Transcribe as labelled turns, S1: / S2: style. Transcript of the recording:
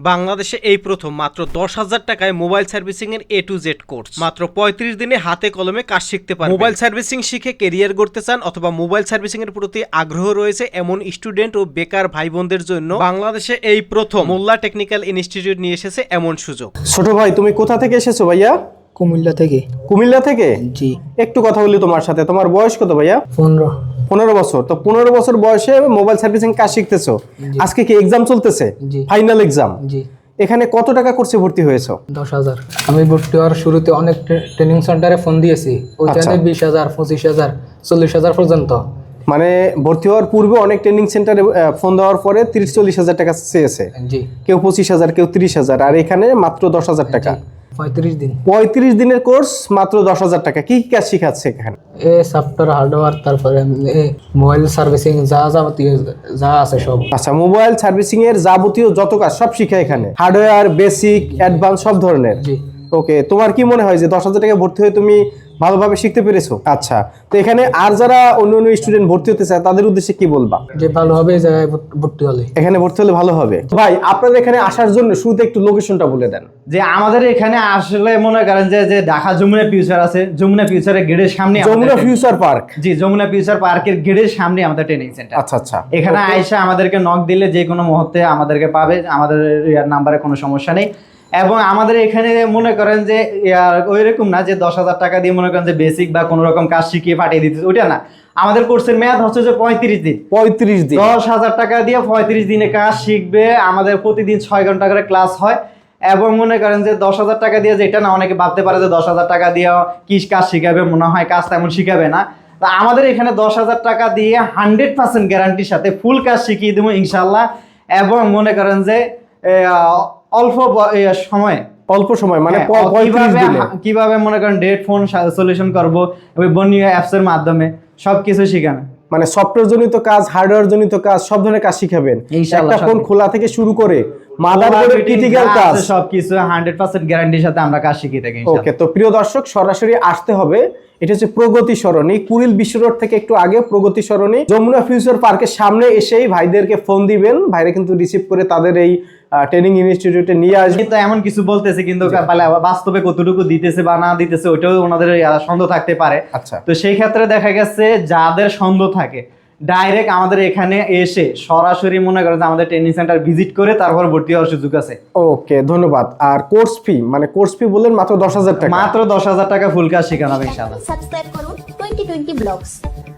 S1: বাংলাদেশে এই প্রথম মাত্র 10,000 টাকায় মোবাইল সার্ভিসিং এর A to Z কোর্স। মাত্র 35 দিনে হাতে কলমে কাজ শিখতে পারবেন। মোবাইল সার্ভিসিং শিখে কেরিয়ার গড়তে চান অথবা মোবাইল সার্ভিসিং এর প্রতি আগ্রহ রয়েছে এমন স্টুডেন্ট ও বেকার ভাই বোনদের জন্য বাংলাদেশে এই প্রথম মোল্লা টেকনিক্যাল ইনস্টিটিউট নিয়ে এসেছে এমন সুযোগ।
S2: ছোট ভাই, তুমি কোথা থেকে এসেছো ভাইয়া?
S3: কুমিল্লা থেকে।
S2: কুমিল্লা থেকে?
S3: জি।
S2: একটু কথা বলি তোমার সাথে। তোমার বয়স কত ভাইয়া? 15 বছর। তো 15 বছর বয়সে মোবাইল সার্ভিসিং কাজ শিখতেছো। আজকে কি এক্সাম চলতেছে?
S3: জি।
S2: Final exam?
S3: জি।
S2: এখানে কত টাকা কোর্সে ভর্তি হয়েছো?
S3: 10,000। আমি ভর্তি হওয়ার শুরুতে অনেক ট্রেনিং সেন্টারে ফোন দিয়েছি, ওইখানে 20,000, 25,000, 40,000 পর্যন্ত।
S2: মানে ভর্তি হওয়ার পূর্বে অনেক ট্রেনিং সেন্টারে ফোন দেওয়ার পরে 30-40 হাজার টাকা চেয়েছে।
S3: জি।
S2: কেউ 25,000, কেউ 30,000, আর এখানে মাত্র 10,000 টাকা।
S3: 35 দিন।
S2: 35 দিনের কোর্স, মাত্র 10,000 টাকা। কি কি কাজ শিখাচ্ছে এখানে?
S3: সফটওয়্যার, হার্ডওয়্যার, তারপরে মোবাইল সার্ভিসিং যা যাবতীয় যা আছে সব।
S2: আচ্ছা, মোবাইল সার্ভিসিং এর যাবতীয় যত কাজ সব শিখায় এখানে, হার্ডওয়্যার, বেসিক, অ্যাডভান্স সব ধরনের।
S3: জি।
S2: ওকে, তোমার কি মনে হয় যে 10,000 টাকা ভর্তি হয়ে তুমি ভালোভাবে শিখতে পেরেছো? আচ্ছা, তো এখানে আর যারা অন্য স্টুডেন্ট ভর্তি হতে চায় তাদের উদ্দেশ্যে কি বলবা?
S3: যে ভালো হবে এই জায়গায় ভর্তি হলে।
S2: এখানে ভর্তি হলে ভালো হবে। ভাই, আপনাদের এখানে আসার জন্য শুরুতে একটু লোকেশনটা বলে দেন।
S4: যে আমাদের এখানে আসলে মনে করেন যে ঢাকা যমুনা ফিউচার আছে, যমুনা ফিউচারের গেটের সামনে
S2: যমুনা ফিউচার পার্ক।
S4: জি, যমুনা ফিউচার পার্কের গেটের সামনে আমাদের ট্রেনিং সেন্টার।
S2: আচ্ছা আচ্ছা।
S4: এখানে আয়সা আমাদেরকে নক দিলে যে কোনো মুহূর্তে আমাদেরকে পাবে, আমাদের নাম্বারে কোনো সমস্যা নেই। এবং আমাদের এখানে মনে করেন যে ওইরকম না যে 10,000 টাকা দিয়ে মনে করেন যে বেসিক বা কোনো রকম কাজ শিখিয়ে পাঠিয়ে দিতে, ওইটা না। আমাদের কোর্সের মেয়াদ হচ্ছে যে 35 দিন।
S2: 35 দিন।
S4: 10,000 টাকা দিয়ে 35 দিনে কাজ শিখবে। আমাদের প্রতিদিন 6 ঘন্টা করে ক্লাস হয়। এবং মনে করেন যে 10,000 টাকা দিয়ে, যেটা না অনেকে ভাবতে পারে যে 10,000 টাকা দিয়ে কি কাজ শিখাবে, মনে হয় কাজ তেমন শিখাবে না। তা আমাদের এখানে 10,000 টাকা দিয়ে 100% গ্যারান্টির সাথে ফুল কাজ শিখিয়ে দেবো ইনশাল্লাহ। এবং মনে করেন যে অল্প সময় মানে কিভাবে মনে করেন ডেট ফোন সলিউশন করবো বর্ণীয় অ্যাপসের মাধ্যমে সবকিছু শিখানো।
S2: মানে সফটওয়্যার জনিত কাজ, হার্ডওয়্যার জনিত কাজ, সব ধরনের কাজ শিখাবেন। একটা ফোন খোলা থেকে শুরু করে মাদারবোর্ডের ক্রিটিক্যাল কাজ
S4: সবকিছু 100% গ্যারান্টির সাথে আমরা কাজ শিখিয়ে থাকি।
S2: ওকে, তো প্রিয় দর্শক, সরাসরি আসতে হবে। এটা হচ্ছে প্রগতি সরণি, কুড়িল বিশ্ব রোড থেকে একটু আগে প্রগতি সরণি, যমুনা ফিউচার পার্কের সামনে এসেই ভাইদেরকে ফোন দিবেন। ভাইরা কিন্তু রিসিভ করে তাদের এই ট্রেনিং ইনস্টিটিউটে নিয়ে আসবে।
S4: কিন্তু এমন কিছু বলতেছে, কিন্তু বাস্তবে কতটুকু দিতেছে বা না দিতেছে ওইটাও ওনাদের সন্দেহ থাকতে পারে।
S2: আচ্ছা,
S4: তো সেই ক্ষেত্রে দেখা গেছে যাদের সন্দেহ থাকে ডাইরেক্ট আমাদের এখানে এসে সরাসরি মনে করেন যে আমাদের ট্রেনিং সেন্টার ভিজিট করে তারপর ভর্তি হওয়ার সুযোগ আছে।
S2: ওকে, ধন্যবাদ। আর কোর্স ফি বললেন মাত্র 10,000 টাকা।
S4: মাত্র 10,000 টাকা ফুল কাজ শেখানো হবে ইনশাআল্লাহ।
S5: সাবস্ক্রাইব করুন 2020 ব্লগস।